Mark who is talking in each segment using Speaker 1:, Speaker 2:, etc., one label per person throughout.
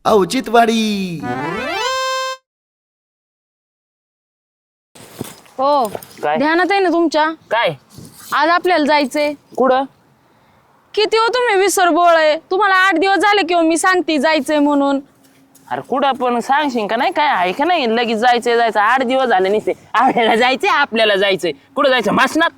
Speaker 1: औचित्यवाडी.
Speaker 2: हो
Speaker 3: काय?
Speaker 2: ध्यानात आहे ना तुमच्या?
Speaker 3: काय
Speaker 2: आज आपल्याला जायचंय.
Speaker 3: कुठं?
Speaker 2: किती हो तुम्ही विसरबोळ आहे. तुम्हाला 8 दिवस झाले किंवा मी सांगते जायचंय म्हणून.
Speaker 3: अरे कुठं पण सांगशील का नाही? काय आहे का नाही? लगेच जायचंय 8 दिवस झाले नसते. आपल्याला जायचंय कुठं जायचं? मासनात.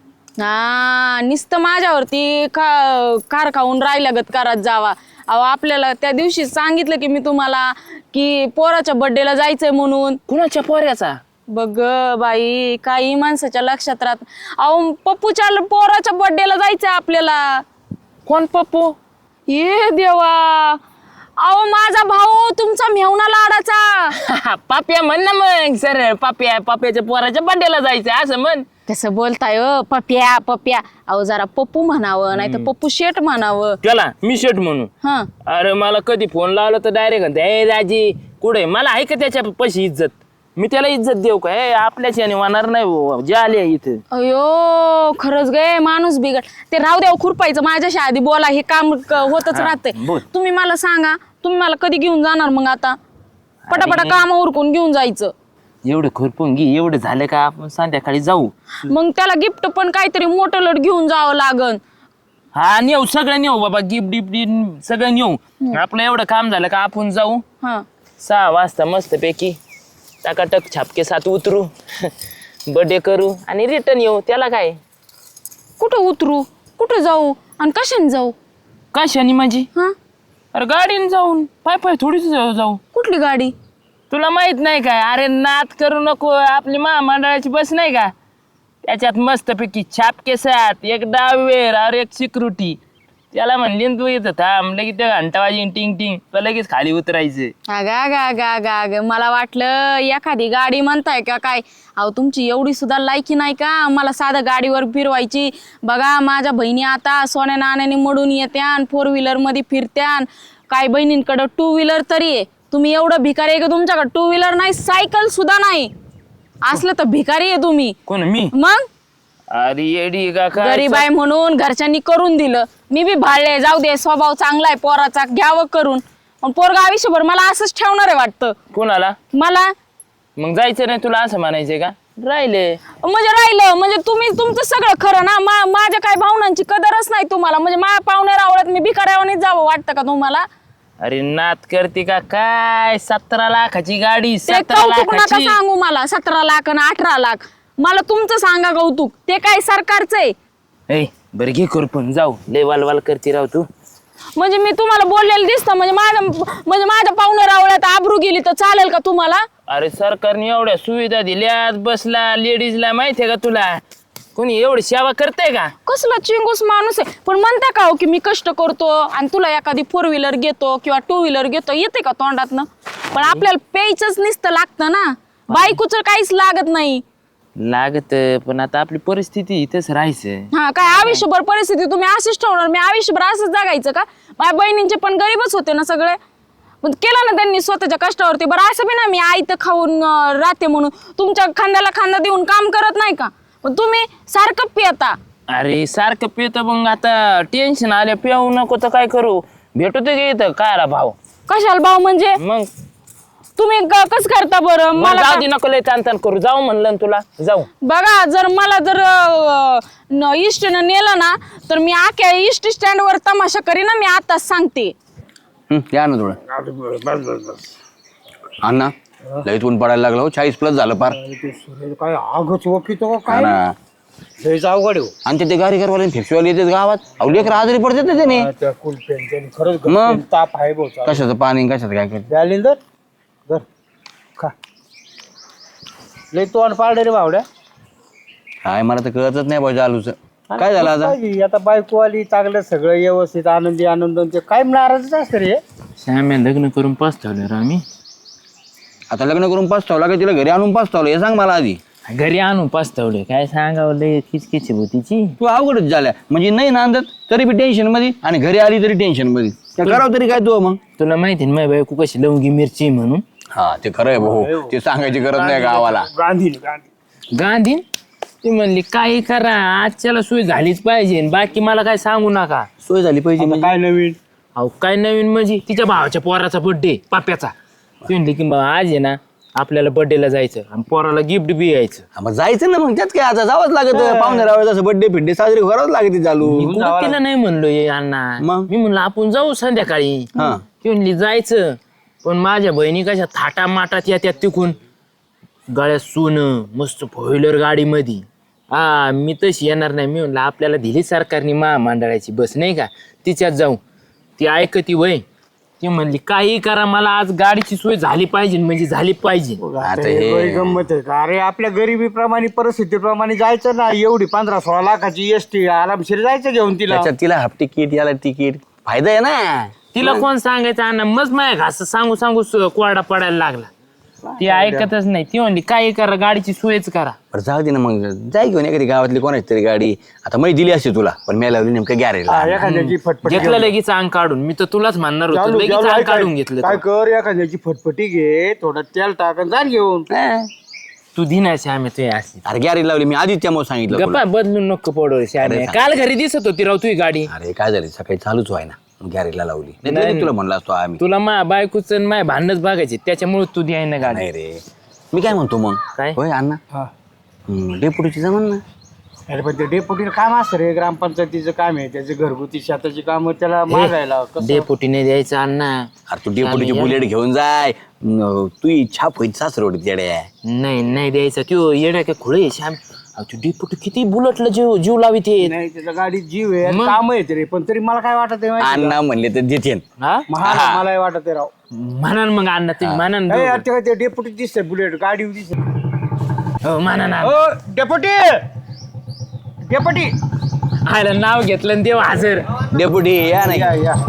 Speaker 2: हा नुसतं माझ्यावरती कार खाऊन राहिल्यागत करत जावा. अहो आपल्याला त्या दिवशी सांगितलं की मी तुम्हाला की पोराच्या बर्थडेला जायचंय म्हणून.
Speaker 3: कुणाच्या पोऱ्याचा?
Speaker 2: बघ बाई काही माणसाच्या लक्षात राहत. अहो पप्पूच्या पोराच्या बर्थडेला जायचंय आपल्याला.
Speaker 3: कोण पप्पू?
Speaker 2: ये देवा. अहो माझा भाऊ तुमचा मेहुणा लाडाचा.
Speaker 3: पाप्या म्हण ना मग सर. पाप्याच्या पोराच्या बर्थडेला जायचंय असं म्हण.
Speaker 2: कसं बोलताय पप्या पप्या. अहो जरा पप्पू म्हणावं नाही तर पप्पू शेट म्हणावं.
Speaker 3: त्याला मी शेट म्हणू?
Speaker 2: हा
Speaker 3: अरे मला कधी फोन लावला तर डायरेक्ट म्हणते ए राजी कुठे? मला आहे का त्याच्या पैसे इज्जत? मी त्याला इज्जत देऊ का? आपल्याच याने होणार नाही. जे आले इथे.
Speaker 2: अयो खरंच गे माणूस बिघड. ते राहू द्या खुरपायचं माझ्याशी आधी बोला. हे काम होतच राहतंय.
Speaker 3: बोल.
Speaker 2: तुम्ही मला सांगा तुम्ही मला कधी घेऊन जाणार मग? आता पटापटा काम उरकून घेऊन जायचं.
Speaker 3: एवढं खुरपून घे. एवढं झालं का आपण संध्याकाळी जाऊ.
Speaker 2: मग त्याला गिफ्ट पण काहीतरी मोठं लट घेऊन जावं लागन.
Speaker 3: हा नेऊ सगळं नेऊ बाबा. गिफ्ट गिफ्ट सगळं नेऊ. आपलं एवढं काम झालं का आपण जाऊ
Speaker 2: हा
Speaker 3: 6 वाजता मस्त पैकी टाकाटक छापके 7 उतरू बर्थडे करू आणि रिटर्न येऊ. त्याला काय?
Speaker 2: कुठं उतरू कुठं जाऊ आणि कशाने जाऊ?
Speaker 3: कशाने माझी?
Speaker 2: हा
Speaker 3: अरे गाडीने जाऊन. पाय थोडीच जाऊ.
Speaker 2: कुठली गाडी?
Speaker 3: तुला माहित नाही काय? अरे नात करू नको. आपली महामंडळाची बस नाही का? त्याच्यात मस्त पैकी छापके 7 एक डावेर और एक सिक्युरिटी. त्याला म्हणली तू इथं थांब. लगेच ते घंटा वाजी टिंग टिंग लगेच खाली उतरायचं.
Speaker 2: गा मला वाटलं एखादी गाडी म्हणताय का काय. अहो तुमची एवढी सुद्धा लायकी नाही का मला साधं गाडीवर फिरवायची? बघा माझ्या बहिणी आता सोन्या नाण्याने मडून येत्यान 4 व्हीलर मध्ये फिरत्यान. काय बहिणींकडं 2 व्हीलर तरी आहे. तुम्ही एवढं भिकारी आहे का तुमच्याकडे 2 व्हीलर नाही सायकल सुद्धा नाही? असलं तर भिकारी आहे तुम्ही.
Speaker 3: कोण मी?
Speaker 2: मग
Speaker 3: अरे येडी का काय?
Speaker 2: गरीब आहे म्हणून घरच्यांनी करून दिलं. मी बी भाळले. जाऊ दे स्वभाव चांगला आहे पोराचा घ्यावं करून. पण पोरगा आयुष्यभर मला असंच ठेवणार आहे वाटतं.
Speaker 3: कोणाला?
Speaker 2: मला.
Speaker 3: मग जायचं नाही तुला असं म्हणायचंय का? राहिले
Speaker 2: म्हणजे राहिलं म्हणजे तुम्ही तुमचं सगळं खरं ना. माझ्या काय भावनांची कदरच नाही तुम्हाला. म्हणजे माझ्या पाहुण्या रावळ्यात मी भिकाऱ्यावानीच जावं वाटतं का तुम्हाला?
Speaker 3: अरे नात करते का काय? 17 लाखाची गाडी.
Speaker 2: ते
Speaker 3: 17
Speaker 2: कौतुक नका
Speaker 3: लाखाची.
Speaker 2: सांगू मला. 17 लाख आणि 18 लाख. मला तुमचं सांगा कौतुक. ते काय सरकारचं आहे?
Speaker 3: ए बरं घे खुरपून जाऊ. लय वालवाल करते राव तू.
Speaker 2: म्हणजे मी तुम्हाला बोललेलं दिसतं म्हणजे माझ्या पाहुण्या रावळ्यात आबरू गेली तर चालेल का तुम्हाला?
Speaker 3: अरे सरकारने एवढ्या सुविधा दिल्यात बसला लेडीजला. माहितीये का तुला? कोणी एवढी सेवा करते का?
Speaker 2: कसला चिंगूस माणूस आहे. पण म्हणता का हो की मी कष्ट करतो आणि तुला एखादी 4 व्हीलर घेतो किंवा 2 व्हीलर घेतो येते का तोंडातनं? पण आपल्याला प्यायचंच नुसतं लागतं ना. बायकोचं काहीच लागत नाही.
Speaker 3: लागत पण आता आपली परिस्थिती इथंच राहायचं.
Speaker 2: हा काय आयुष्यभर परिस्थिती तुम्ही अशीच ठेवणार? मी आयुष्यभर असंच जगायचं का? माझ्या बहिणींचे पण गरीबच होते ना सगळे. पण केलं ना त्यांनी स्वतःच्या कष्टावरती. बरं असं बी ना मी आईत खाऊन राहते म्हणून तुमच्या खांद्याला खांदा देऊन काम करत नाही का? पण तुम्ही सारखं पिता.
Speaker 3: अरे सारखं पितो मग आता टेन्शन आले. पिऊ नको तर काय करू? भेटतो ते इथं काय भाव?
Speaker 2: कशाला भाऊ म्हणजे?
Speaker 3: मग
Speaker 2: तुम्ही कसं करता बरं? मला
Speaker 3: जाऊ दे नको लय ताण करू. जाऊ म्हणलं ना तुला जाऊ.
Speaker 2: बघा जर मला जर इष्टनं नेलं ना तर मी आख्या इष्ट स्टँडवर तमाशा करीन ना. मी आताच सांगते.
Speaker 4: या ना थोडं अण्णा. लई ऊन पडायला लागलं हो. 40+ झालं पार.
Speaker 5: काय आगच वकितो
Speaker 4: हा
Speaker 5: काय
Speaker 4: ना.
Speaker 5: लयच अवघड आहे.
Speaker 4: आणि ते गाडीकरवाले फेक्सीवाले येतात गावात. अहो लेकर आजारी पडतात ना त्याने.
Speaker 5: त्या कुलपेन त्यांनी खरंच
Speaker 4: मग?
Speaker 5: घरपेन ताप आहे भाऊ.
Speaker 4: कशाचं पाणी कशाचं काय करत.
Speaker 5: द्यालिंदर धर खा. लय तोंड पाडले रे बावड्या.
Speaker 4: काय मला तर कळतच नाही भाऊ चालूच. काय झालं आता?
Speaker 5: आता बायको आली चांगलं सगळं व्यवस्थित आनंदी आनंद. ते काय नाराजच असतं रे.
Speaker 3: श्याम्या लग्न करून पसतवलं रे आम्ही.
Speaker 4: आता लग्न करून पाचतावला का तिला घरी आणून पाचतावलं हे सांग मला आधी.
Speaker 3: घरी आणून पसतवले काय सांगावं. लय किचकिच भूतीची.
Speaker 4: तू अवघडच झाल्या म्हणजे नाही नांदत तरी बी टेन्शन मध्ये आणि घरी आली तरी टेन्शन मध्ये. त्या करावं तरी काय तू मग?
Speaker 3: तुला माहिती ना माझी बायको कशी लवंगी मिरची म्हणून.
Speaker 4: हा ते खरं आहे भाऊ. ते सांगायची गरज नाही गावाला.
Speaker 5: गांधी
Speaker 3: गांधी ती म्हणली काही करा आजच्याला सोय झालीच पाहिजे. बाकी मला काय सांगू नका.
Speaker 4: सोय झाली पाहिजे म्हणजे
Speaker 5: काय नवीन
Speaker 3: अहो काय नवीन म्हणजे तिच्या भावाच्या पोराचा बर्थडे पाप्याचा. ती म्हणली की मग आज आहे ना आपल्याला बर्थडेला जायचं आणि पोराला गिफ्ट बी यायचं.
Speaker 4: हा, मग जायचं ना मग त्यात काय आता जावंच लागत पाहुणे रावळे जसं बर्थडे फिड्डे साजरी करावंच लागते चालू.
Speaker 3: मी कुठं तिला नाही म्हणलो ये अण्णा.
Speaker 4: मग?
Speaker 3: मी म्हणलं आपण जाऊ संध्याकाळी.
Speaker 4: हा.
Speaker 3: ती म्हणली जायचं पण माझ्या बहिणी कशा थाटा माटात येत्यात तिकून गळ्यात सोनं मस्त फोर व्हीलर गाडी मध्ये. हा मी तशी येणार नाही. मी म्हणलं आपल्याला दिली सरकारने महामंडळाची बस नाही का तिच्यात जाऊ. ती ऐकती वय. ती म्हणली काही करा मला आज गाडीची सोय झाली पाहिजे म्हणजे झाली पाहिजे.
Speaker 4: आता
Speaker 5: हे
Speaker 4: हे
Speaker 5: बरी गंमत आहे का? अरे आपल्या गरिबीप्रमाणे परिस्थितीप्रमाणे जायचं ना. एवढी 15-16 लाखाची एसटी आरामशीर जायचं घेऊन तिला.
Speaker 4: त्याच्यात तिला हाफ तिकीट याला तिकीट फायदा आहे ना.
Speaker 3: तिला कोण सांगायचं अण्णा मग माझ्या घास सांगू सांगू कोरडा पडायला लागला. ती ऐकतच नाही. ती म्हणली काही करा गाडीची सोयच करा.
Speaker 4: बरं जाऊ दे ना मग जाय घेऊन एखादी गावातली कोणाची तरी गाडी. आता मी दिली असते तुला पण मी लावली नेमकं गॅरेज.
Speaker 5: एखाद्याची फटफटी
Speaker 3: घेतलं लगेच अंग काढून. मी तर तुलाच म्हणणार होतो
Speaker 5: चालू-
Speaker 3: लगेच
Speaker 5: चालू
Speaker 3: अंग
Speaker 5: आहे
Speaker 3: काढून
Speaker 5: काय?
Speaker 3: घेतलं
Speaker 5: काय
Speaker 3: तू.
Speaker 5: कर एखाद्याची फटफटी घे थोडं तेल टाक आणि जा घेऊन.
Speaker 3: तू दिनाशी आम्ही तू अशी
Speaker 4: अरे गॅरेज लावली मी आधीच त्यामुळे सांगितलं तुला.
Speaker 3: गप्पा बदलून नको पडो श्यामे. काल घरी दिसत होती राव तुझी गाडी.
Speaker 4: अरे काय झालं सकाळी चालूच व्हाय ना गॅरेजला लावली. नाही तुला म्हणला असतो आम्ही.
Speaker 3: तुला मा बायकोच माझ्या भांडणच बघायचे त्याच्यामुळे तू द्याय ना गाडी.
Speaker 4: नाही रे मी काय म्हणतो मग
Speaker 3: काय?
Speaker 4: होय अण्णा
Speaker 5: हा.
Speaker 4: डेपुटीची जमन ना.
Speaker 5: अरे पण ते डेपुटीचं काम असतं रे. ग्रामपंचायतीचं काम आहे त्याचे घरगुती शेताची काम त्याला मागायला कसं.
Speaker 3: डेपुटीने द्यायचं अण्णा.
Speaker 4: अरे तू डेपुटीची बुलेट घेऊन जाय. तू इच्छा होईल सासरवडीत येड्या.
Speaker 3: नाही नाही द्यायचा त्यो येड्या काय खुळे श्याम. अहो, तू डेपुटी किती बुलेटला जीव जीव लावित आहे.
Speaker 5: नाही त्याच्या गाडीत जीव आहे
Speaker 3: मग?
Speaker 5: काम आहे ते रे. पण तरी मला काय वाटत आहे माहिती आहे
Speaker 4: अण्णा म्हणले तर देते.
Speaker 3: हा
Speaker 5: का? मला वाटत आहे राव.
Speaker 3: म्हणा मग अण्णा तुम्ही म्हणा ना
Speaker 5: ए,
Speaker 3: दोघं.
Speaker 5: आता काय ते डेपुटी दिसते बुलेट गाडी दिसते.
Speaker 3: हो म्हणा ना.
Speaker 5: ओ डेपुटी डेपुटी
Speaker 3: आयला नाव घेतलं आणि देव हजर.
Speaker 4: डेपुटी या नाही.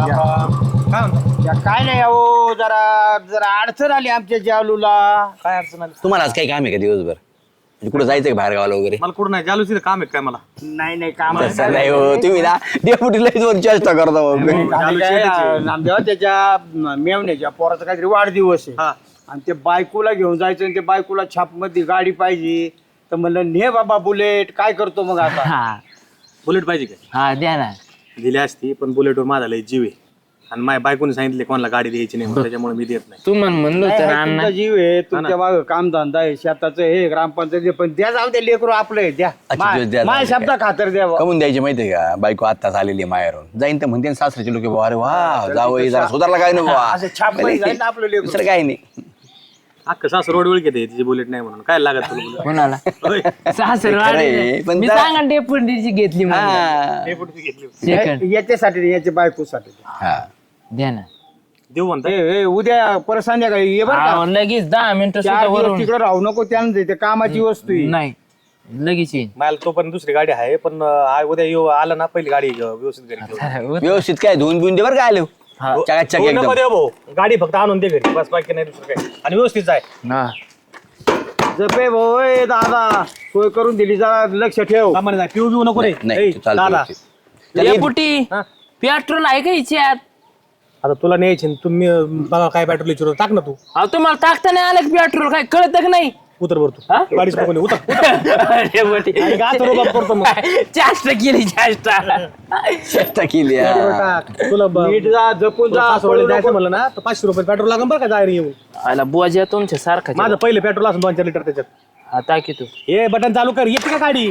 Speaker 5: काय नाही अहो जरा जरा अडचण आली आमच्या जालूला.
Speaker 1: काय अडचण आली?
Speaker 4: तुम्हाला आज काही काम आहे का दिवसभर म्हणजे कुठं जायचं का बाहेर गावाला वगैरे.
Speaker 1: मला कुठं नाही जालूसीचं काम आहे काय मला?
Speaker 5: नाही काम
Speaker 4: तसं नाही हो तुम्ही ना डेपुटीला दोन चेष्टा करता मग.
Speaker 5: नामदेवा त्याच्या मेवण्याच्या पोराचा काहीतरी वाढदिवस आहे
Speaker 1: हा.
Speaker 5: आणि ते बायकोला घेऊन जायचं आणि ते बायकोला छापमध्ये गाडी पाहिजे तर म्हणलं ने बाबा बुलेट. काय करतो मग आता.
Speaker 3: हा
Speaker 1: बुलेट पाहिजे काय?
Speaker 3: हा द्या ना.
Speaker 1: दिली असती पण बुलेटवर माझा लय जीव आहे आणि माझ्या बायकोने सांगितले कोणाला गाडी द्यायची नाही म्हणून त्याच्यामुळे मी देत नाही.
Speaker 3: तू म्हणलो
Speaker 5: नाही,
Speaker 3: तर
Speaker 5: आहे,
Speaker 3: अण्णा.
Speaker 5: तुमचा जीव आहे तुमच्या मागं कामधंदा आहे शेताचं हे ग्रामपंचायत पण द्या जाऊ द्या लेकरू आपलं आहे, द्या
Speaker 4: अच्छा, द्या,
Speaker 5: माझ्या
Speaker 4: द्या.
Speaker 5: शब्दा खातर द्या बुवा.
Speaker 4: कमून द्यायची माहितीये का बायको आत्ताच आलेली आहे माहेरून जाईन तर म्हणते ना सासऱ्याचे लोक अरे वा जावई जरा सुधारला काय नको
Speaker 5: असं छाप मध्ये जाईल ना आपलं लेकरू.
Speaker 4: दुसरं काय नाही.
Speaker 1: अख्खा सासू रोड वेळ घेते तिची बुलेट नाही म्हणून काय लागत तुला bullet?
Speaker 3: कोणाला
Speaker 1: होय.
Speaker 3: सासर
Speaker 4: खरंय, पण
Speaker 3: मी
Speaker 4: जरा-
Speaker 3: सांगा डेपुटीची घेतली म्हणून.
Speaker 4: हा.
Speaker 1: डेपुटीची घेतली.
Speaker 3: सेकंड
Speaker 5: याच्यासाठी नाही, याच्या बायकोसाठी
Speaker 4: हा.
Speaker 3: द्या ना.
Speaker 1: देऊ म्हणता.
Speaker 5: उद्या परत संध्याकाळी ये बरं का.
Speaker 3: हा, लगेच 10 मिनिटं सुद्धा
Speaker 5: 4 दिवस
Speaker 3: वरून
Speaker 5: तिकडे राहू नको त्यानंतर ते कामाची वस्तू आहे.
Speaker 3: नाही लगेच येईन.
Speaker 1: मला तोपर्यंत दुसरी गाडी आहे पण उद्या येऊ आलं ना पहिली गाडी व्यवस्थित घरी घेऊन.
Speaker 4: व्यवस्थित काय धुवून बिवून दे बरं काय आलो चकाचक
Speaker 1: हो,
Speaker 4: एकदम.
Speaker 1: नको देऊ भाऊ. गाडी फक्त आणून दे घरी बस बाकी नाही दुसरं काय आणि व्यवस्थित जाय.
Speaker 3: हा.
Speaker 5: जपे भाऊ ए दादा सोय करून दिली जरा लक्ष ठेव.
Speaker 1: सामान्य जाय पिऊ बिऊ नको रे.
Speaker 4: नाही
Speaker 1: ए,
Speaker 4: तू चालतो
Speaker 1: दादा
Speaker 4: व्यवस्थित. त्याला ये-
Speaker 3: डेपुटी
Speaker 1: हा.
Speaker 3: पेट्रोल आहे का हिच्यात?
Speaker 1: आता तुला न्यायची ना, तुम्ही बघा काय पेट्रोल विचारू टाक ना तू.
Speaker 3: अहो तुम्हाला टाकता नाही आलं पेट्रोल काय कळत का नाही?
Speaker 1: उतर वर तू
Speaker 3: हा?
Speaker 1: गाडीच नको नेऊ. उतर
Speaker 3: डेपुटी
Speaker 1: आणि का असं रोबाब करतो मग?
Speaker 3: चाष्टा केली चाष्टा.
Speaker 4: चेष्टा केली हा.
Speaker 1: टाक. तुला
Speaker 5: नीट जा जपून जा
Speaker 1: सासवडीला जायचं म्हणलं ना तर 500 रुपये पेट्रोल लागेल बरं का जायला येऊन.
Speaker 3: आला बुवाजी तुमच्या सारखा
Speaker 1: माझं पहिलं पेट्रोल असं 2-4 लिटर त्याच्यात.
Speaker 3: हा टाकी तू.
Speaker 1: हे बटन चालू कर येते का गाडी.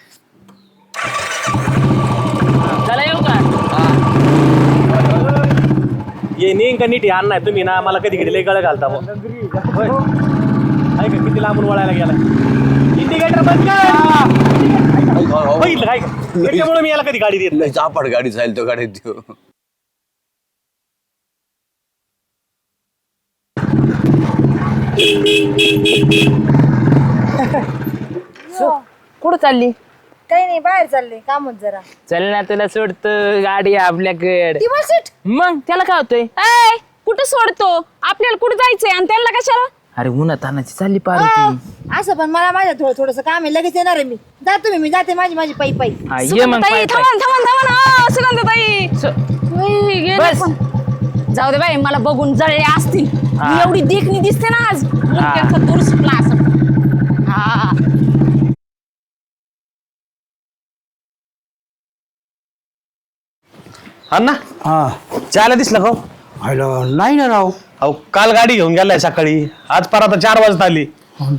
Speaker 3: चला येऊ का?
Speaker 1: ये नेईन का नीट आण नाही तुम्ही ना मला कधी कधी लय गळ घालता बुवा. होय. ऐका किती लांबून वळायला गेला. इंडिकेटर बंद कर. बघितलं काय का? त्याच्यामुळे मी याला कधी गाडी देत
Speaker 4: लय चापड गाडी जाईल तो गाडीत देऊ.
Speaker 2: कुठं चालली?
Speaker 6: काही नाही बाहेर चालले कामच जरा.
Speaker 3: चल ना तुला सोडतो गाडी आपल्याकडे.
Speaker 6: ती बस सीट.
Speaker 3: मग त्याला काय होतंय?
Speaker 2: ऐ कुठं सोडतो आपल्याला कुठं जायचंय आणि त्यांना कशाला?
Speaker 3: अरे उन्हा तानाची चालली पार
Speaker 6: असं पण मला माझ्या थोडस काम आहे लगेच येणार आहे मी. जा तुम्ही मी जाते माझी पायी पायी.
Speaker 3: ये मग
Speaker 2: सुगंधाताई,
Speaker 3: पाय- पाय.
Speaker 2: थांबा सुगंधाताई. उई, गेले
Speaker 3: बस.
Speaker 2: पण. जाऊ दे बाई मला बघून जळले असतील.
Speaker 3: हा.
Speaker 2: मी एवढी देखणी दिसते ना आज डोक्याचा दूर सुटला असं. हा
Speaker 1: अण्णा
Speaker 5: हा
Speaker 1: चायला दिसलं का हो?
Speaker 5: हॅलो नाही ना राव
Speaker 1: अहो काल गाडी घेऊन गेलाय सकाळी आज पर आता 4 वाजता आली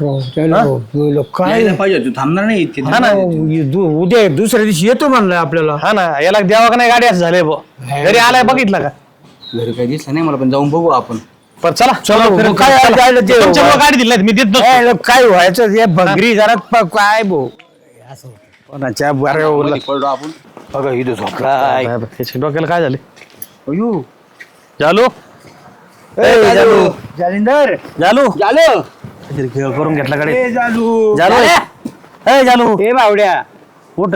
Speaker 5: काय
Speaker 4: पाहिजे तू थांबणार नाही इथे.
Speaker 1: हा ना
Speaker 5: उद्या दुसऱ्या दिवशी येतो म्हणलं आपल्याला
Speaker 1: हा ना याला द्यावा का नाही गाडी असं झाले घरी आलाय बघितलं का
Speaker 4: घरी काही दिसलं नाही मला पण जाऊन बघू आपण.
Speaker 1: पण चला
Speaker 5: चला, काय जायला ते-
Speaker 1: तुमच्यामुळे गाडी दिली नाही, मी देत नसतो.
Speaker 5: ए, काय व्हायचं हे भंगरी जरा काय भाऊ कोणाच्या बऱ्यावर
Speaker 4: पडलो आपण.
Speaker 5: बघा इथं झोपला
Speaker 1: काय बा, त्याच्या डोक्याला काय झाले
Speaker 5: अयो
Speaker 1: जालू
Speaker 5: जालिंदर
Speaker 1: जालू
Speaker 4: झालं
Speaker 1: काहीतरी खेळ करून घेतला गाडी
Speaker 5: ए जालू
Speaker 1: जालू ए जालू
Speaker 5: ए बावड्या
Speaker 1: उठ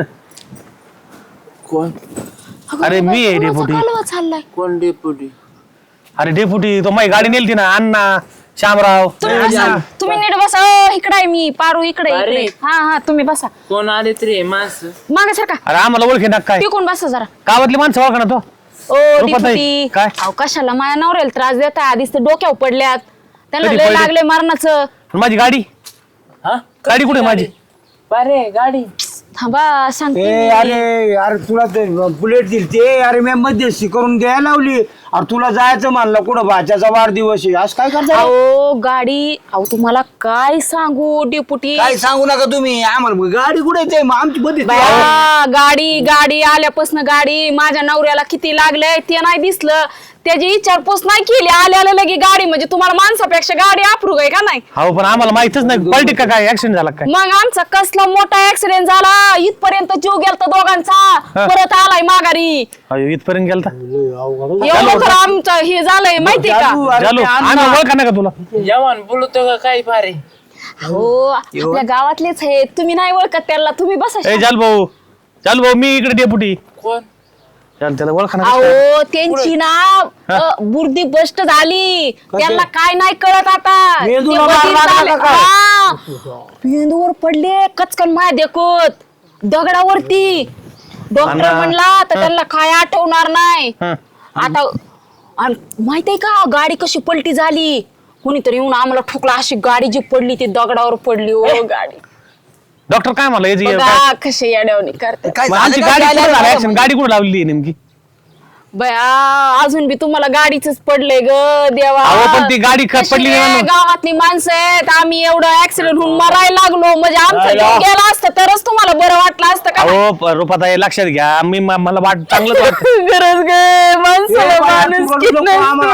Speaker 3: कोण
Speaker 1: अरे मी आहे डेपुटी
Speaker 2: चाललाय
Speaker 3: कोण डेपुटी?
Speaker 1: अरे डेपुटी तो माझी गाडी नेलती ना अण्णा श्यामराव
Speaker 2: तुम्ही नीट बसा इकडे आहे मी पारू इकडे
Speaker 3: अरे.
Speaker 2: हा हा तुम्ही बसा
Speaker 3: कोण आले तरी माणसं?
Speaker 2: मागे सारखा
Speaker 1: अरे आम्हाला ओळखी ना काय
Speaker 2: टिकून बसा जरा
Speaker 1: गावातली माणसं ओळखा ना तो
Speaker 2: ओ
Speaker 1: रुपाताई,
Speaker 2: डिपुटी
Speaker 1: काय?
Speaker 2: अहो कशाला माझ्या नवऱ्याला त्रास देता आधीच ते डोक्यावर पडल्यात त्यांना
Speaker 1: कधी
Speaker 2: लय
Speaker 1: पडले?
Speaker 2: लागले मरणाचं
Speaker 1: पण माझी गाडी
Speaker 3: हा
Speaker 1: गाडी कुठे माझी
Speaker 3: अरे गाडी
Speaker 2: थांबा सांगते
Speaker 5: ए
Speaker 2: मी.
Speaker 5: अरे अरे तुला ते बुलेट दिली ते अरे मी मध्यस्थी करून द्यायला लावली अरे तुला जायचं म्हणलं कुठं भाच्याचा वाढदिवस आहे आज काय करता
Speaker 2: अहो गाडी अहो तुम्हाला काय सांगू डिपुटी
Speaker 4: काय सांगू नका तुम्ही आम्हाला गाडी कुठे येते मग आमची बदली.
Speaker 2: बाया, गाडी आल्यापासून गाडी माझ्या नवऱ्याला किती लागलंय ते नाही दिसलं त्याची विचारपूस नाही केली आल्याला लगे गाडी म्हणजे तुम्हाला माणसापेक्षा गाडी अप्रूव आहे का नाही
Speaker 1: हो पण आम्हाला माहितच नाही पलटी का काय ऍक्सिडेंट झाला काय
Speaker 2: मग आमचा कसला मोठा ऍक्सिडेंट झाला इथपर्यंत जीव गेलता दोघांचा परत आलाय माघारी
Speaker 1: अयो इथपर्यंत गेलता
Speaker 2: एवढं तर आमचं हे झालंय माहितीये का
Speaker 1: जालू आम्ही ओळखा ना का तुला
Speaker 3: जवान बोलतो का काय फारे?
Speaker 2: हो आपल्या गावातलेच आहेत तुम्ही नाही ओळखत त्याला तुम्ही बसा
Speaker 1: ए जालू भाऊ मी इकडे डेपुटी
Speaker 3: कोण?
Speaker 1: चाल त्याला ओळखा ना
Speaker 2: अहो त्यांची ना बुर्दी बस्ट झाली त्यांना काय नाही कळत आता
Speaker 5: मेंदूला
Speaker 2: ते
Speaker 5: मार
Speaker 2: बधीर
Speaker 5: लागला
Speaker 2: झाले.
Speaker 5: का काय?
Speaker 2: हा. मेंदूवर पडले कचकन माय देखत दगडावरती डॉक्टर म्हणला तर त्यांना काय आठवणार नाही
Speaker 1: हं.
Speaker 2: आता आणि माहितीये का गाडी कशी पलटी झाली कोणीतरी येऊन आम्हाला ठोकला अशी गाडी जी पडली ती दगडावर पडली ओ गाडी
Speaker 1: डॉक्टर काय म्हणला याची
Speaker 2: बघा कशी येड्यावणी करते
Speaker 4: काय
Speaker 1: मग आमची
Speaker 4: झालं
Speaker 1: गाडी
Speaker 4: काय?
Speaker 1: कुठं झाली accident? गाडी कुठं लावली आहे नेमकी
Speaker 2: बया अजून बी तुम्हाला गाडीच पडले ग देवा
Speaker 1: अहो, पण ती गाडी
Speaker 2: कशी
Speaker 1: पडली नाही
Speaker 2: रे,
Speaker 1: म्हणून.
Speaker 2: गावातली माणसं आहेत आम्ही एवढं ऍक्सिडेंट होऊन मरायला लागलो म्हणजे आमचं जीव गेला असतं तरच तुम्हाला बरं वाटलं असतं का
Speaker 1: अहो रुपाताई लक्षात घ्या मला वाट चांगलंच वाटतं
Speaker 2: गरज गे माणसाला माणूस किती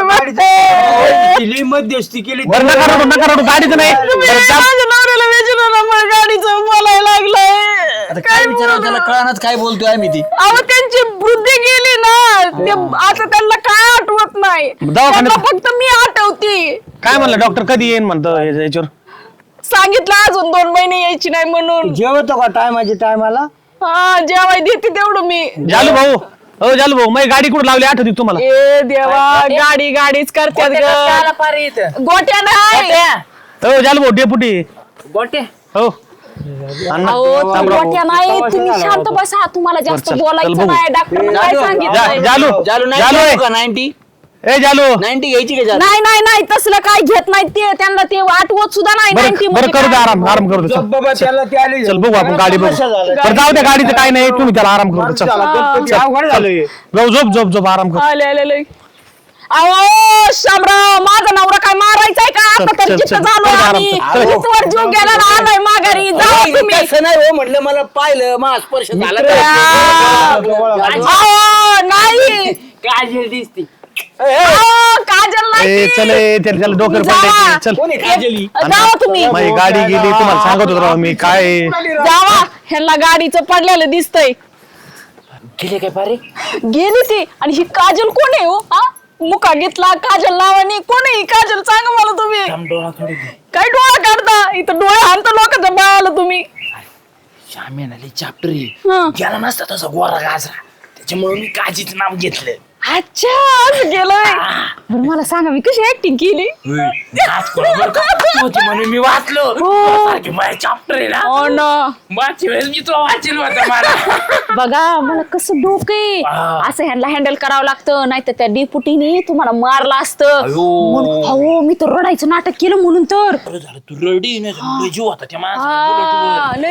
Speaker 2: नसतं.
Speaker 5: दिली मध्यस्थी केली
Speaker 1: बरं नका रडू गाडीचं नाही
Speaker 2: तुम्ही
Speaker 1: बरं, जा.
Speaker 2: माझ्या नवऱ्याला विचारू ना मग गाडीचं बोलायला लागलंय
Speaker 4: काय विचारावं त्याला कळानच काय बोलतोय आम्ही ती.
Speaker 2: अहो त्यांची बुद्धी गेली ना ते आता त्यांना काय आठवत नाही
Speaker 1: दवाखान्यात-
Speaker 2: त्यांना फक्त मी आठवती
Speaker 1: काय म्हणलं डॉक्टर कधी येईन म्हणतो याच्यावर
Speaker 2: सांगितलं अजून 2 महिने यायची नाही म्हणून
Speaker 5: जेवतो का टायमाला
Speaker 2: हा जेवाय देते तेवढं मी
Speaker 1: जालू भाऊ माझी गाडी कुठं लावली आठवती तुम्हाला
Speaker 2: ए देवा गाडीच करतात
Speaker 3: त्याला फारे इथं
Speaker 2: गोट्या नाही
Speaker 1: हो जालू भाऊ डेपुटी
Speaker 3: गोटे
Speaker 1: हो अण्णा,
Speaker 2: अहो
Speaker 1: थांब
Speaker 2: तुम्ही
Speaker 1: राव.
Speaker 2: गोट्या नाही तुम्ही शांत बसा तुम्हाला जास्त
Speaker 1: चल, चल
Speaker 2: बोलायचं
Speaker 1: बघू.
Speaker 2: नाही डॉक्टर काय सांगितलं
Speaker 1: जालू
Speaker 4: जालू नाही
Speaker 1: जालू
Speaker 4: जालू का 90
Speaker 1: ए जालू
Speaker 4: 90 घ्यायची का जालू?
Speaker 2: नाही तसलं काय घेत नाही ते त्यांना ते आठवत सुद्धा नाही 90
Speaker 1: बरं
Speaker 2: मध्ये
Speaker 1: करू दे
Speaker 2: काय.
Speaker 1: आराम करू दे चल.
Speaker 5: बाबा त्याला ते आली
Speaker 1: चल बघू आपण गाडी बघू बरं जाऊ द्या गाडीचं काय नाही तुम्ही त्याला आराम करू दे, चल
Speaker 5: अवघड झालंय
Speaker 1: जाऊ झोप आराम कर
Speaker 2: आले अहो शामराव माझा नवरा काय मारायचाय का आता तर
Speaker 1: चल,
Speaker 2: जिथं
Speaker 1: चल,
Speaker 2: झालो
Speaker 1: चल,
Speaker 2: आम्ही
Speaker 1: चल.
Speaker 2: जिथवर जीव गेला ना आलाय माघारी जाऊ तुम्ही
Speaker 4: तसं नाही हो म्हटलं मला पाहिलं मा स्पर्श झाला
Speaker 2: अहो नाही
Speaker 3: काजल दिसती.
Speaker 2: अहो, काजल नाही
Speaker 1: ए
Speaker 2: ती.
Speaker 1: चल त्याला डोक्यावर
Speaker 2: जावा.
Speaker 1: पडले चल
Speaker 2: जावा तुम्ही
Speaker 1: माझी गाडी गेली तुम्हाला सांगत होतो राव मी काय
Speaker 2: जावा ह्यांना गाडीचं पडलेलं दिसतंय
Speaker 3: गेले काय फारे?
Speaker 2: गेली ती आणि ही काजल कोण आहे हो हा मुका घेतला काजल नावाने कोण आहे ही काजल सांगा मला तुम्ही
Speaker 3: डोळा थोडी दे.
Speaker 2: काय डोळा काढता इथं डोळे आणता लोकांच्या बाळाला तुम्ही
Speaker 3: श्याम्याला चाप्टरी
Speaker 2: हं.
Speaker 3: गेला नसता तसा गोरा गाजरा त्याच्यामुळे मी काजीचं नाव घेतलं
Speaker 2: अच्छा असं गेलोय बरं मला सांगा मी कशी ऍक्टिंग केली
Speaker 3: म्हणून मी वाचलो चॅप्टर आहे ना
Speaker 2: हो ना
Speaker 3: मागच्या वेळेस मी तुला वाचेल होता मला
Speaker 2: बघा मला कसं डोके असं ह्यांना हँडल करावं लागतं नाही तर त्या डेपुटीने तुम्हाला मारलं असतं म्हणून- अहो मी तर रडायचं नाटक केलं म्हणून तर
Speaker 3: तू रडी नाही जीव होता त्या
Speaker 2: हा, लय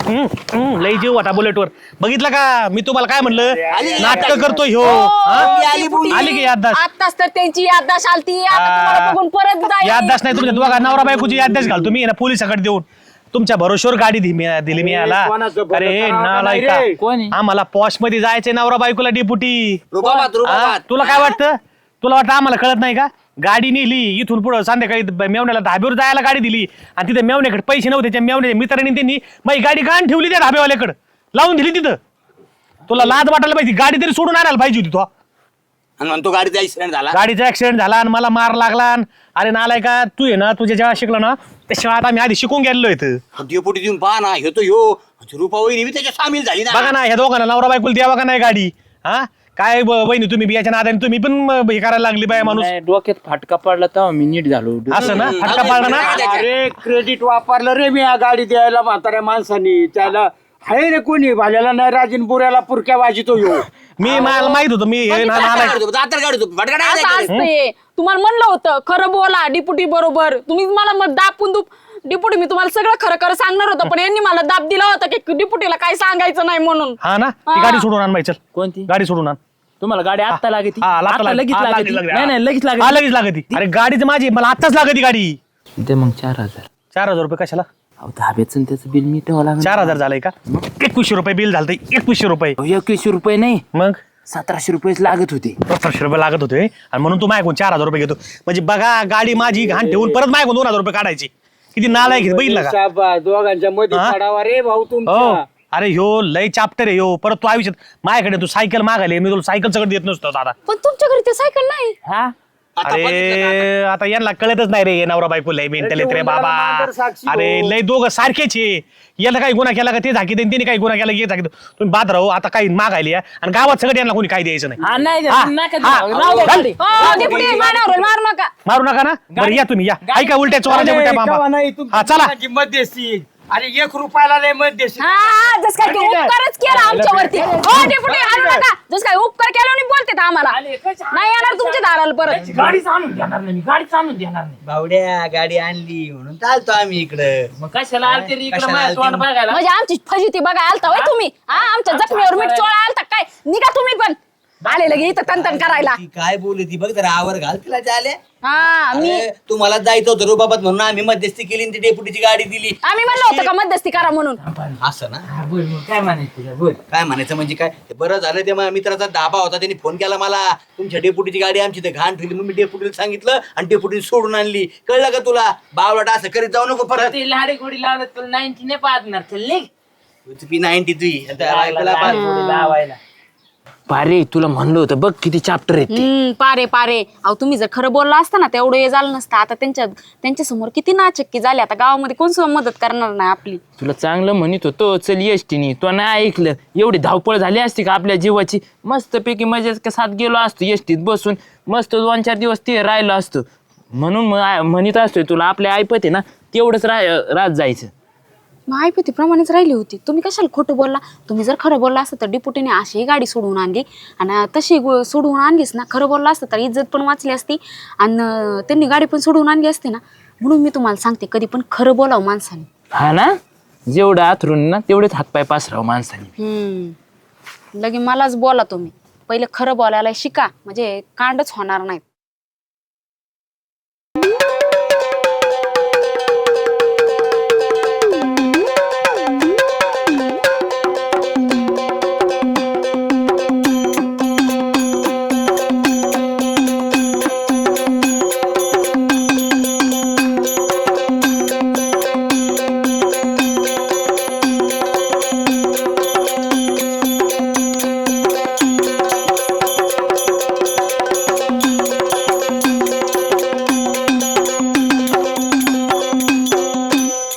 Speaker 1: लय जीव वाटा बुलेटवर बघितलं का मी तुम्हाला काय म्हणलं नाटक करतोय ह्यो हा? आली की याददाश्त
Speaker 2: आताच तर त्यांची याददाश्त आलती आता तुम्हाला बघून परत जाईल
Speaker 1: याददाश्त नाही तुमच्या दोघा नवरा बायकोची याददाश्त घाल तुम्ही ना पोलिसाकडे देऊन तुमच्या भरोश्यावर गाडी दिली मी याला
Speaker 5: कोणाचं भलं
Speaker 1: अरे
Speaker 5: करावं का
Speaker 1: नालायका.
Speaker 5: नाही रे?
Speaker 3: कोणी?
Speaker 1: आम्हाला पॉश मध्ये जायचंय नवरा बायकोला डिपुटी
Speaker 4: रुबाबात
Speaker 1: तुला काय वाटतं तुला वाटतं आम्हाला कळत नाही का गाडी नेली इथून पुढे संध्याकाळी मेवण्याला धाब्यावर जायला गाडी दिली आणि तिथे मेवण्याकडे पैसे नव्हते त्या मेवण्याच्या मित्रांनी त्यांनी माझी गाडी गाण ठेवली त्या धाब्यावाल्याकडे लावून दिली तिथं तुला लाज वाटायला पाहिजे गाडी तरी सोडून आणायला पाहिजे होती तो
Speaker 4: आणि म्हणतो गाडीचा ऍक्सिडेंट झाला.
Speaker 1: गाडीचा ऍक्सिडेंट झाला आणि मला मार लागला अरे नालाय का तू आहे ना तुझ्या जेव्हा शिकला ना त्या शाळेत आम्ही आधी शिकून गेलेलो इथं
Speaker 4: डेपुटी देऊन पहा ना ह्यो तो ह्यो रुपा वहिनी बी त्याच्यात सामील झाली ना.
Speaker 1: बघा ना ह्या दोघांना नवरा बायकोला द्यावा का नाही गाडी हा काय बहिणी तुम्ही बियाच्या नादाने तुम्ही पण हे करायला लागली बाय माणूस
Speaker 3: डोक्यात फाटका पडला तेव्हा मी नीट झालो
Speaker 1: असं ना फटका पाडला ना
Speaker 5: अरे क्रेडिट वापरलं रे मी या गाडी द्यायला म्हाताऱ्या माणसानी त्याला हाय रे कोणी भाल्याला नाही राजीन बुऱ्याला पुरक्या वाजितो यो
Speaker 1: मी मला माहित होतं मी हे नालायक.
Speaker 4: दातर काढतो फटका
Speaker 2: असं
Speaker 4: नाही
Speaker 2: असतंय तुम्हाला म्हणलं होतं खरं बोला डिपुटी बरोबर तुम्ही मला मग दापून डिपुटी मी तुम्हाला सगळं खरं खरं सांगणार होतं पण यांनी मला दाब दिला होता की डिपुटीला काय सांगायचं नाही म्हणून
Speaker 1: हा ना ती गाडी सोडून आण बाई चल
Speaker 3: कोणती
Speaker 1: गाडी सोडून आण
Speaker 3: तुम्हाला गाडी आत्ता लागती
Speaker 1: हा, आता
Speaker 3: आता लगेच
Speaker 1: हा,
Speaker 3: लागती
Speaker 1: लागली.
Speaker 3: नाही नाही लगेच
Speaker 1: हा,
Speaker 3: लागती
Speaker 1: लगेच लागती अरे गाडीच माझी मला आत्ताच लागती गाडी
Speaker 3: ते मग 4000
Speaker 1: 4,000 रुपये कशाला
Speaker 3: अहो धाब्याचं त्याचं बिल मी ठेवा लागेल
Speaker 1: 4,000 झालंय का 2100 रुपये बिल झालं 2100 रुपये
Speaker 3: 2100 रुपये नाही
Speaker 1: मग
Speaker 3: 1700 रुपयेच लागत होते
Speaker 1: 1700 रुपये लागत होते आणि म्हणून तू मायकून 4,000 रुपये घेतो म्हणजे बघा गाडी माझी घाण ठेवून परत मायकून 2,000 रुपये काढायची किती नालायक आहे, बघितलं का
Speaker 5: शाबास, दोघांच्या मध्ये
Speaker 1: हा?
Speaker 5: पडावा रे भाऊ
Speaker 1: हो
Speaker 5: तुमचा
Speaker 1: अरे ह्यो लय चाप्टर आहे ह्यो परत तू आयुष्यात माझ्याकडे तू सायकल मागायला मी तुला सायकल सगळं देत नसतो दादा
Speaker 2: पण तुमच्या घरी ते सायकल नाही
Speaker 3: हा
Speaker 1: अरे आता यांना कळतच नाही रे हे नवरा बायको लय मेंटल येत रे बाबा
Speaker 5: मांजर साक्षी हो.
Speaker 1: अरे लय दोघं सारखेच आहे याला काही गुन्हा केला का ते झाकी देईन त्याने काही गुन्हा केला की हे झाकी देईन. तुम्ही बाद राहू आता काही मागायला या आणि गावात सगळं यांना कोणी काय द्यायचं नाही
Speaker 3: हा नाही
Speaker 1: हा,
Speaker 3: नका
Speaker 1: हा,
Speaker 3: देऊ. राहू द्या
Speaker 1: घाल.
Speaker 3: गाडी.
Speaker 2: हो डिपुटी मानावर मारू नका
Speaker 1: मारू नका ना बरं या तुम्ही या ऐका उलट्या चोराच्या उलट्या
Speaker 5: केव्हा नाही
Speaker 1: बाबा हा चला
Speaker 5: तुमची मध्यस्थी अरे 1 रुपयाला लय मध्यस्थी
Speaker 2: हा जस काय की उपकारच केला आमच्यावरती हो डिपुटी हाणू नका जस काय उपकार केला आणि बोलते आम्हाला नाही येणार तुमच्या दाराला परत
Speaker 3: गाडीच आणून देणार नाही मी गाडीच आणून देणार नाही
Speaker 7: बावड्या गाडी आणली म्हणून चालतो आम्ही इकडं
Speaker 3: मग कशाला आलते रे इकडे
Speaker 7: कशाला
Speaker 3: माझ्या
Speaker 7: आलते
Speaker 3: तोंड
Speaker 7: मग?
Speaker 3: बघायला
Speaker 2: म्हणजे आमची फजिती बघा आलता होय तुम्ही हा आमच्या जखमीवर मीठ चोळा आलता काय निघा तुम्ही पण आले लगे इथं तन करायला
Speaker 7: ती काय बोलली ती बघ जरा आवर घाल तिला चाले
Speaker 2: हा मी
Speaker 7: तुम्हाला जायचं होतं रुबाबात म्हणून आम्ही मध्यस्थी केली आणि ती डेपुटीची गाडी दिली
Speaker 2: आम्ही म्हणलं होतं का मध्यस्थी करा म्हणून
Speaker 7: असं ना
Speaker 3: हा, बोल मग काय म्हणायचं तुझ्या बोल
Speaker 7: काय म्हणायचं म्हणजे काय ते बरं झालं ते माझ्या मित्राचा धाबा होता त्यांनी फोन केला मला तुमच्या डेपुटीची गाडी आमची ते घाण ठेवली मग मी डेपुटीला सांगितलं आणि डेपुटीने सोडून आणली कळलं का तुला बावळाट असं करीत जाऊ नको परत
Speaker 3: ते लाडी गोडी लावलं तुला 90 नाही पाहणार चल निघ.
Speaker 7: तुझी 90 तुझी आता बायकोला
Speaker 3: लाडी गोडी लावायला पारे तुला म्हणलं होतं बघ किती चॅप्टर आहेत ते.
Speaker 2: पारे पारे अहो तुम्ही जर खरं बोलला असता ना तेवढं हे झालं नसतं आता त्यांच्या समोर किती नाचक्की झाली आता गावामध्ये कोण सुद्धा मदत करणार नाही आपली
Speaker 3: तुला चांगलं म्हणत होतो चल एसटीनी तो नाही ऐकलं एवढी धावपळ झाली असती का आपल्या जीवाची मस्तपैकी मजेत साथ गेलो असतो एसटीत बसून मस्त 2-4 दिवस ते राहिलो असतो म्हणून म्हणत असतोय तुला आपल्या ऐपत आहे ना तेवढंच रात जायचं
Speaker 2: मग ऐपतीप्रमाणेच राहिली होती तुम्ही कशाला खोटं बोलला तुम्ही जर खरं बोलला असतं तर डिपुटीने अशी गाडी सोडवून आणली आणि तशी सोडवून आणलीच ना खरं बोलला असतं तर इज्जत पण वाचली असती आणि त्यांनी गाडी पण सोडवून आणली असती ना म्हणून मी तुम्हाला सांगते कधी पण खरं बोलावं माणसाने
Speaker 3: हा ना जेवढं आथरून ना तेवढेच हातपाय पासराव माणसाने
Speaker 2: लगे मलाच बोला तुम्ही पहिले खरं बोलायला शिका म्हणजे कांडच होणार नाहीत